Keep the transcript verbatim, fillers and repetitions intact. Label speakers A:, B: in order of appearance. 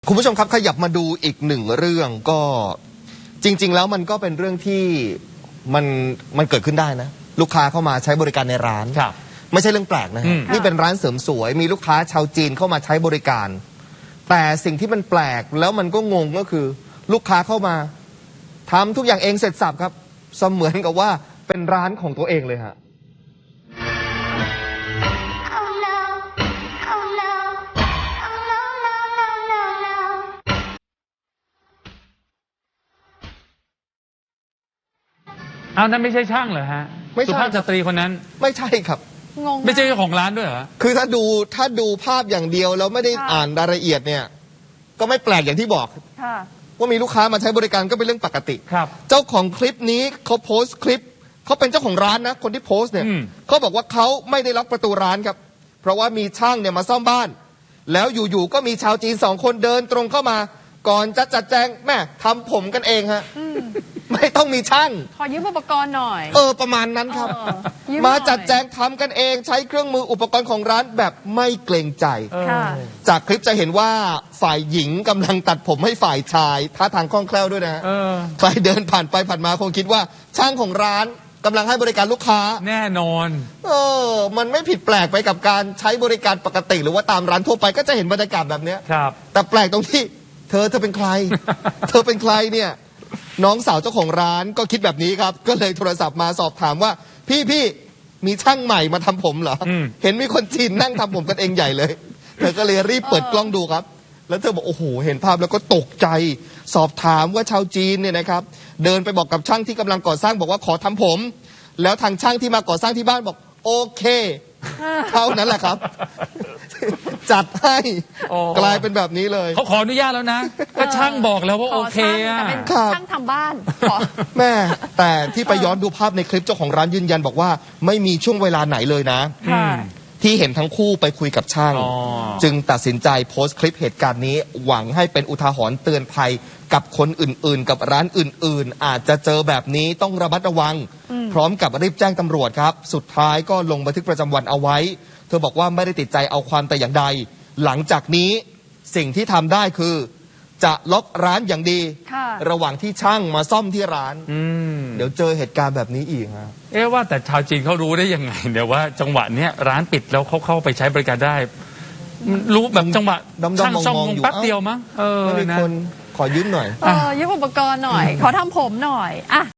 A: คุณผู้ชมครับขยับมาดูอีกหนึ่งเรื่องก็จริงๆแล้วมันก็เป็นเรื่องที่มันมันเกิดขึ้นได้นะลูกค้าเข้ามาใช้บริการในร้านไม่ใช่เรื่องแปลกนะนี่เป็นร้านเสริมสวยมีลูกค้าชาวจีนเข้ามาใช้บริการแต่สิ่งที่มันแปลกแล้วมันก็งงก็คือลูกค้าเข้ามาทำทุกอย่างเองเสร็จสับครับเสมือนกับว่าเป็นร้านของตัวเองเลยฮะ
B: เอานั้นไม่ใช่ช่างเหรอฮะสุภาพสตรีคนนั้น
A: ไม่ใช่ครับ
C: งง
B: ไม่ใช่เจ้าของร้านด้วยเหรอ
A: คือถ้าดูถ้าดูภาพอย่างเดียวแล้วไม่ได้อ่านรายละเอียดเนี่ยก็ไม่แปลกอย่างที่บอกว่ามีลูกค้ามาใช้บริการก็เป็นเรื่องปกติ
B: ครับ
A: เจ้าของคลิปนี้เขาโพสต์คลิปเขาเป็นเจ้าของร้านนะคนที่โพสต์เนี่ยเขาบอกว่าเขาไม่ได้ล็อกประตูร้านครับเพราะว่ามีช่างเนี่ยมาซ่อมบ้านแล้วอยู่ๆก็มีชาวจีนสองคนเดินตรงเข้ามาก่อนจะจัดแจงแม่ทำผมกันเองฮะไม่ต้องมีช่าง
C: ขอยืมอุปกรณ์หน่อย
A: เออประมาณนั้นครับมาจัดแจงทำกันเองใช้เครื่องมืออุปกรณ์ของร้านแบบไม่เกรงใจจากคลิปจะเห็นว่าฝ่ายหญิงกำลังตัดผมให้ฝ่ายชายท่าทางคล่องแคล่วด้วยนะใครเดินผ่านไปผ่านมาคงคิดว่าช่างของร้านกำลังให้บริการลูกค้า
B: แน่นอน
A: เออมันไม่ผิดแปลกไปกับการใช้บริการปกติหรือว่าตามร้านทั่วไปก็จะเห็นบรรยากาศแบบนี้
B: ครับ
A: แต่แปลกตรงที่เธอเธอเป็นใคร เธอเป็นใครเนี่ยน้องสาวเจ้าของร้านก็คิดแบบนี้ครับก็เลยโทรศัพท์มาสอบถามว่าพี่พี่มีช่างใหม่มาทำผมเหรอเห็นมีคนจีนนั่งทำผมกันเองใหญ่เลยเธอก็เลยรีบเปิดกล้องดูครับแล้วเธอบอกโอ้โหเห็นภาพแล้วก็ตกใจสอบถามว่าชาวจีนเนี่ยนะครับเดินไปบอกกับช่างที่กำลังก่อสร้างบอกว่าขอทำผมแล้วทางช่างที่มาก่อสร้างที่บ้านบอกโอเคเท่านั้นแหละครับจัดให้กลายเป็นแบบนี้เลย
B: เขาขออนุญาตแล้วนะก็ช่างบอกแล้วว่าโอเคอ่ะ
C: แต่เป็นช่างทำบ้าน
A: แม่แต่ที่ไปย้อนดูภาพในคลิปเจ้าของร้านยืนยันบอกว่าไม่มีช่วงเวลาไหนเลยนะที่เห็นทั้งคู่ไปคุยกับช่างจึงตัดสินใจโพสต์คลิปเหตุการณ์นี้หวังให้เป็นอุทาหรณ์เตือนภัยกับคนอื่นๆกับร้านอื่นๆอาจจะเจอแบบนี้ต้องระมัดระวังพร้อมกับรีบแจ้งตำรวจครับสุดท้ายก็ลงบันทึกประจำวันเอาไว้เธอบอกว่าไม่ได้ติดใจเอาความแต่อย่างใดหลังจากนี้สิ่งที่ทำได้คือจะล็อกร้านอย่างดีระหว่างที่ช่างมาซ่อมที่ร้านเดี๋ยวเจอเหตุการณ์แบบนี้อีกฮะ
B: เอ๊ะว่าแต่ชาวจีนเขารู้ได้ยังไงเดี๋ยวว่าจังหวะเนี้ยร้านปิดแล้วเขาเข้าไปใช้บริการได้รู้แบบจังหวะช่างซ่อมแป๊บเดียวมั้งเออ
A: ไม่มีคนขอยืมหน่อย
C: เออยืมอุปกรณ์หน่อยขอทำผมหน่อยอ่ะ